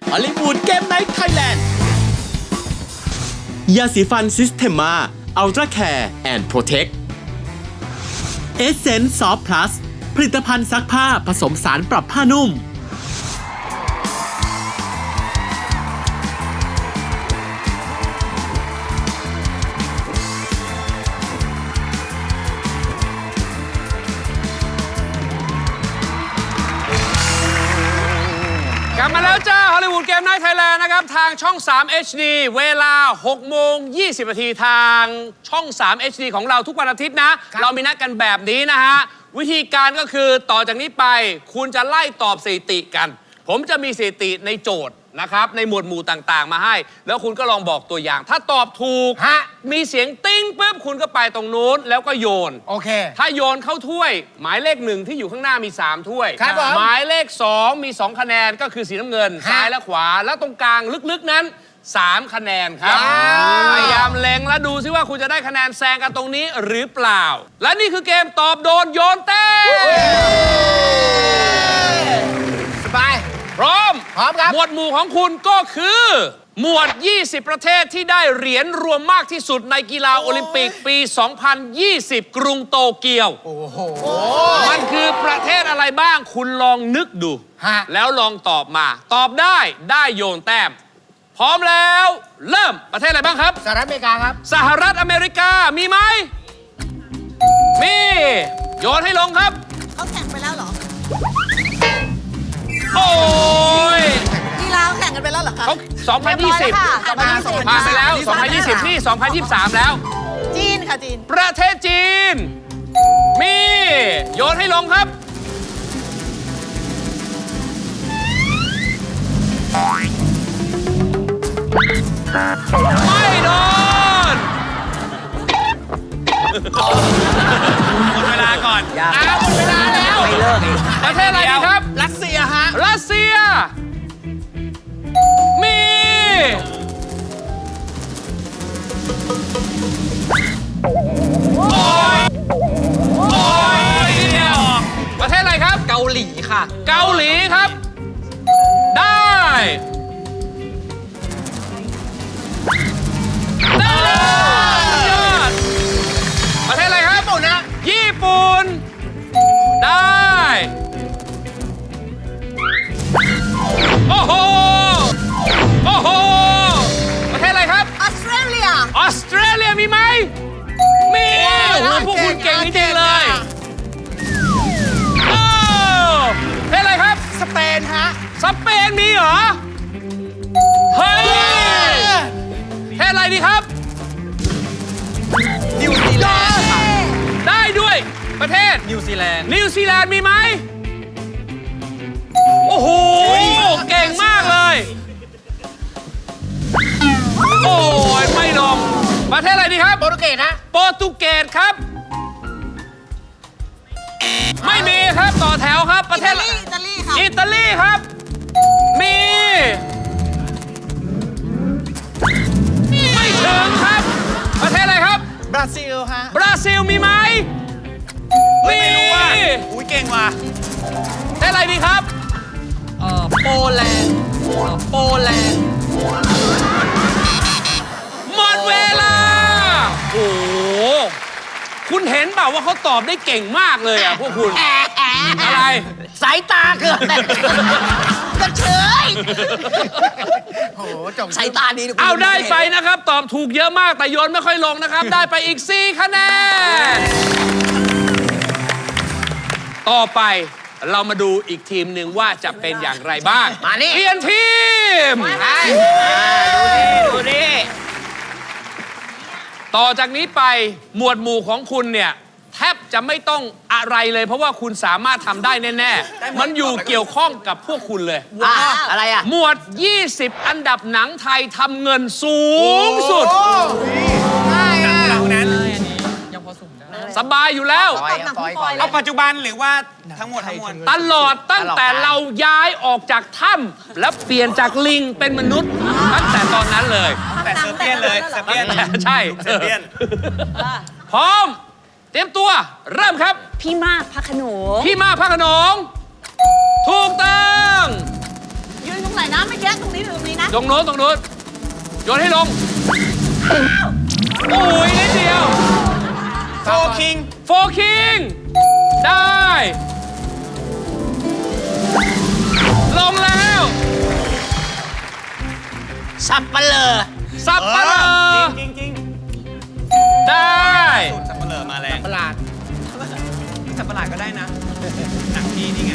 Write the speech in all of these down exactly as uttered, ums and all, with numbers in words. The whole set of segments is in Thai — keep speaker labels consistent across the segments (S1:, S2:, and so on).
S1: ฮอลลีวูดเกมไนท์ไทยแลนด์ยาสีฟันซิสเทมาอัลตร้าแคร์แอนด์โปรเทคเอเซนส์ซอฟพลัสผลิตภัณฑ์ซักผ้าผสมสารปรับผ้านุ่ม
S2: กลับมาแล้วจ้าฮอลลีวูดเกมไนท์ไทยแลนด์นะครับทางช่อง สาม เอช ดี เวลา หกโมงยี่สิบ นาทีทางช่อง สาม เอช ดี ของเราทุกวันอาทิตย์นะ เรามีนัดกันแบบนี้นะฮะ วิธีการก็คือต่อจากนี้ไปคุณจะไล่ตอบสถิติกัน ผมจะมีสถิติในโจทย์นะครับในหมวดหมู่ต่างๆมาให้แล้วคุณก็ลองบอกตัวอย่างถ้าตอบถูกฮะมีเสียงติ้งปุ๊บคุณก็ไปตรงนู้นแล้วก็โยนโอเคถ้าโยนเข้าถ้วยหมายเลขหนึ่งที่อยู่ข้างหน้ามีสามถ้วยครับหมายเลขสองมีสองคะแนนก็คือสีน้ำเงินซ้ายและขวาแล้วตรงกลางลึกๆนั้นสามคะแนนครับพยายามเล็งและดูซิว่าคุณจะได้คะแนนแซงกันตรงนี้หรือเปล่าและนี่คือเกมตอบโดนโยนเต้สบายพร้อมพร้อมครับหมวดหมู่ของคุณก็คือหมวดยี่สิบประเทศที่ได้เหรียญรวมมากที่สุดในกีฬาโอลิมปิกปี สองพันยี่สิบ กรุงโตเกียวโอ้โหมันคือประเทศอะไรบ้างคุณลองนึกดูแล้วลองตอบมาตอบได้ได้โยนแต้มพร้อมแล้วเริ่มประเทศอะไรบ้างครับสหรัฐอเมริกาครับสหรัฐอเมริกามีไหมมีโยนให้ลงครับ
S3: เขาแข่งไปแล้วเหรอ
S2: โอ้ย
S3: กีฬาแข่งกันไปแล้วเหรอคะ
S2: เขาสองพันยี่สิบผ่านไปแล้วสองพันยี่สิบที่สองพันยี่สิบสามแล้ว
S3: จีนค่ะจีน
S2: ประเทศจีนมีโยนให้ลงครับไม่โดนหมดเวลาก่อนอ้าวหมดเวลาแล้วไม่เลิกอีกประเทศอะไรดีครับ
S1: รัสเซียฮะ
S2: รัสเซียมีโอ้ยโอ้ยเนี่ยประเทศอะไรครับ
S1: เกาหลีค่ะ
S2: เกาหลีครับได้ได้ยอดประเทศอะไรครับญี่ปุ่นนะญี่ปุ่นได้โอ้โหโอ้โหประเทศอะไรครับ
S3: ออสเตรเลีย
S2: ออสเตรเลียมีไหมมีโอ้โหพวกคุณเก่งจริงๆเลยโอ้ประเทศอะไรครับ
S3: สเปนฮะ
S2: สเปนมีเหรอเฮ้ยประเทศอะไรดีครับ
S1: นิวซีแลนด์
S2: ได้ด้วยประเทศ
S1: นิวซีแลนด์
S2: นิวซีแลนด์มีไหมโอ้โหเก่งมากเลยโอ้ยไม่ลงประเทศอะไรดีครับ
S3: โปรตุเกสฮะ
S2: โปรตุเกสครับไม่มีครับต่อแถวครับประเทศ
S3: อิตาลีค่ะ
S2: อิตาลีครับมีไม่ถึงครับประเทศอะไรครับ
S1: บราซิลฮะ
S2: บราซิลมีไหม
S1: ไม่รู้ว่าอุ้ยเก่งว่ะ
S2: ประเทศอะไรดีครับ
S1: เอ่อโปแลนด์โปแลนด์
S2: หมดเวลาโอ้โหคุณเห็นเปล่าว่าเขาตอบได้เก่งมากเลยอ่ะพวกคุณอะไร
S3: สายตาเกินกระเชยโอ้โหจบสายตาดี
S2: เอาได้ไปนะครับตอบถูกเยอะมากแต่โยนไม่ค่อยลงนะครับได้ไปอีกสี่คะแนนต่อไปเรามาดูอีกทีมหนึ่งว่าจะเป็นอย่างไรบ้าง
S3: มานี่
S2: เปลี่ยนทีมดูดิต่อจากนี้ไปหมวดหมู่ของคุณเนี่ยแทบจะไม่ต้องอะไรเลยเพราะว่าคุณสามารถทำได้แน่ๆมันอยู่เกี่ยวข้องกับพวกคุณเลย
S3: อะไรอ่ะ
S2: หมวดยี่สิบอันดับหนังไทยทำเงินสูงสุด
S3: ง่ายอ่ะ
S1: นั้น
S2: สบายอยู่แล้ว
S1: เอาปัจจุบันหรือว่าทั้งหมดทั้งมวล
S2: ตลอดตั้งแต่เราย้ายออกจากถ้ำและเปลี่ยนจากลิงเป็นมนุษย์ตั้งแต่ตอนนั้นเลย
S1: แต่เซอร์เปียนเลยเซอร์เปียน
S2: ใช่
S1: เซอร์เปียน
S2: พร้อมเตรียมตัวเริ่มครับ
S3: พี่มากพระโขนง
S2: พี่มากพระโขนงถูกต้อง
S3: ยืนตรงไหนนะไม่แยกตรงนี้
S2: ตรงโน้นตรงโน้นโยนให้ลงโอ้ยนิดเดียว
S3: โฟคิง
S2: โฟคิงได้ ลงแล้ว
S3: สับปะเลอ
S2: สับปะเลอ
S4: จริงจริง
S2: ได้
S4: สับเปลือมาแรง
S3: ประหลาด
S4: สับประหลาดก็ได้นะ หนังพี่นี่ไง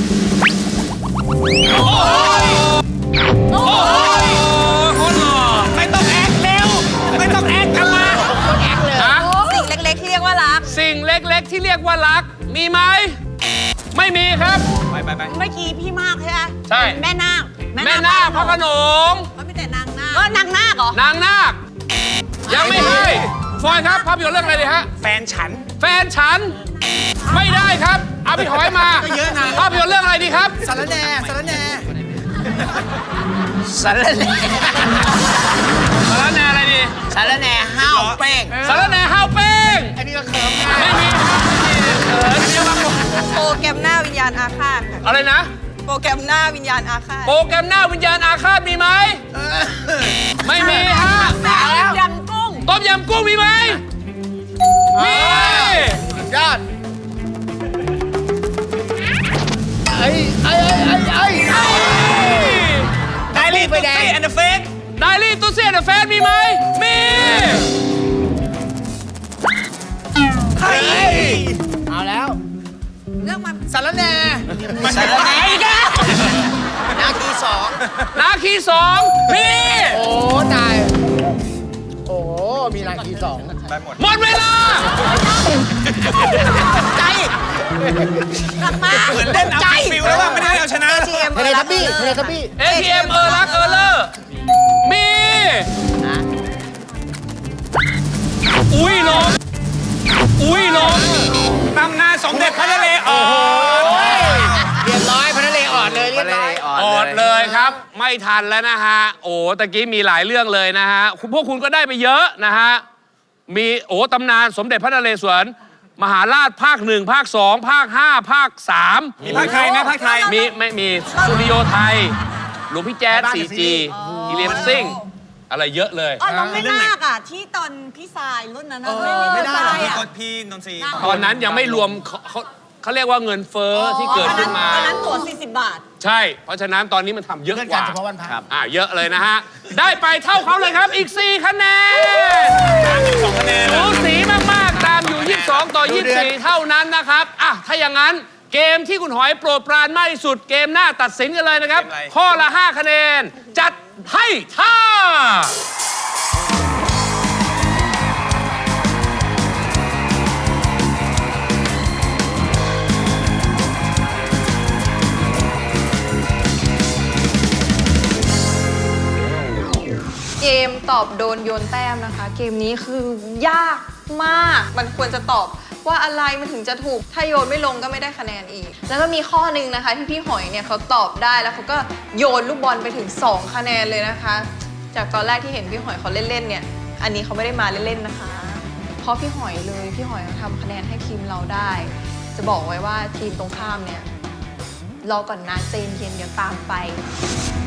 S2: โอ้ยโอ้ยคนหล่อ
S4: ไม่ต้องแอคเร็ว ไม่ต้องแอคกลับมา
S3: แอคเลย
S2: ฮะ
S5: สิ่งเล็กๆที่เรียกว่ารัก
S2: สิ่งเล็กๆที่เรียกว่ารัก มีไหม ไม่มีครับ
S4: ไปไปไป
S5: เมื่อกี้พี่มากใช่ไหม
S2: ใช่
S5: แม่นาค
S2: แม่นาคพระโขนง
S5: มันไม่แต่นางนาคก็นางนาคเหรอ
S2: นางนาค ยังไม่ให้ฟอยครับภาพยนตร์เรื่องอะไรดีฮะ
S4: แฟนฉัน
S2: แฟนฉัน ไม่ได้ครับเอาพี่หอยมา
S3: ก็เยอะนะ
S2: ภาพยนตร์เรื่องอะไรดีครับ
S3: สารแหน่สารแหน่
S2: สารแหน่สารแหน่อะไรดี
S3: สารแหน่ห้าวเป้ง
S2: สารแหน่ห้าวเป้ง
S3: อันนี้ก็เคิร์ฟง่าย
S2: ไม่มีครับไม่มีเออเดี๋ยวมา
S5: โปรแกรมหน้าวิญญาณอาฆาตค่ะ
S2: อะไรนะ
S5: โปรแกรมหน้าวิญญาณอาฆาต
S2: โปรแกรมหน้าวิญญาณอาฆาตมีไหม ไม่มีฮะ
S5: แม่ยำกุ้ง
S2: ต้มยำกุ้งมีไหม มี
S3: ยอดไอ้ไอ้ไอ้ไอ้ไอ้
S4: ไดรี่ตุ๊กซี่แอนด์เฟก
S2: ไดรี่ตุ๊เซียนเดอะแฟนมีไหม มี
S4: เฮ้ย
S3: เอาแล้ว
S5: เรื่องมัน
S3: สารแหน่
S4: สารแหน่
S3: อีกแล้วนาทีสอง
S2: นาคีสองมี
S3: โอ้ตาย โอ้ มีนาทีสอง
S4: ไปหมด
S2: หมดเวลา
S3: ใจ
S5: กลับมา
S4: เหมือนเล่นเอาฟิลแล้วว่าไม่ได้เอาชนะ
S5: ทีเอ็ม
S3: เทเลทับบี้เทเลทับบี้
S2: เอ ที เอ็ม เออรักเออเลอร์มี อุ้ยลง อุ้ยลง
S4: ตำนานสมเด็จพระนเรศวร
S3: เรียบร้อยพระนเรศวรเลยเรียบร้อย
S2: ออดเลยครับ ไม่ทันแล้วนะฮะ โอ้ตะกี้มีหลายเรื่องเลยนะฮะคุณพวกคุณก็ได้ไปเยอะนะฮะ มีโอ้ตำนานสมเด็จพระนเรศวร มหาราชภาคหนึ่งภาคสองภาคห้าภาคสาม
S4: มีภาคไทยไหมภาคไทย
S2: มีไม่มีสุริโยไทย หลวงพี่แจ๊ด ซี จี อีเลียมซิงอะไรเยอะเลย
S5: อ๋อเราไม่นาคอ่ะ ที่ตอนพี่ทรายรุ่นนั้นนะ
S3: ไม่ได้
S5: ทราย
S4: พี่
S5: อ่ะ
S4: กดพี่นนทรี
S2: ตอนนั้นยังไม่รวมเขาเขาเขาเรียกว่าเงินเฟ้อที่เกิดขึ้นมา
S5: ตอนนั้นตั๋วสี่สิบบาท
S2: ใช่ เพราะฉะนั้นตอนนี้มันทำเยอะ
S3: เลื่อน
S2: ก
S3: การ
S2: ว่า
S3: เฉพาะวันพระ
S2: อ่าเยอะเลยนะฮะ ได้ไปเท่าเขาเลยครับอีก สี่ คะแนน
S4: สองคะแนน
S2: สูสีมาก ๆ ตามอยู่ ยี่สิบสอง ต่อ ยี่สิบสี่ เท่านั้นนะครับ อ่ะ ถ้าอย่างนั้นเกมที่คุณหอยโปรดปรานมากที่สุดเกมหน้าตัดสินกันเลยนะครับ ข้อละ ห้า คะแนน จัดให้ท่า
S6: เกมตอบโดนโยนแต้มนะคะ เกมนี้คือยากมาก มันควรจะตอบว่าอะไรมันถึงจะถูก ถ้าโยนไม่ลงก็ไม่ได้คะแนนอีก แล้วก็มีข้อหนึ่งนะคะที่พี่หอยเนี่ยเขาตอบได้แล้วเขาก็โยนลูกบอลไปถึง สอง คะแนนเลยนะคะ จากตอนแรกที่เห็นพี่หอยเขาเล่นๆเนี่ย อันนี้เขาไม่ได้มาเล่นๆนะคะ เพราะพี่หอยเลยพี่หอยทำคะแนนให้ทีมเราได้ จะบอกไว้ว่าทีมตรงข้ามเนี่ยรอก่อนนะใจเย็นๆเดี๋ยวตามไป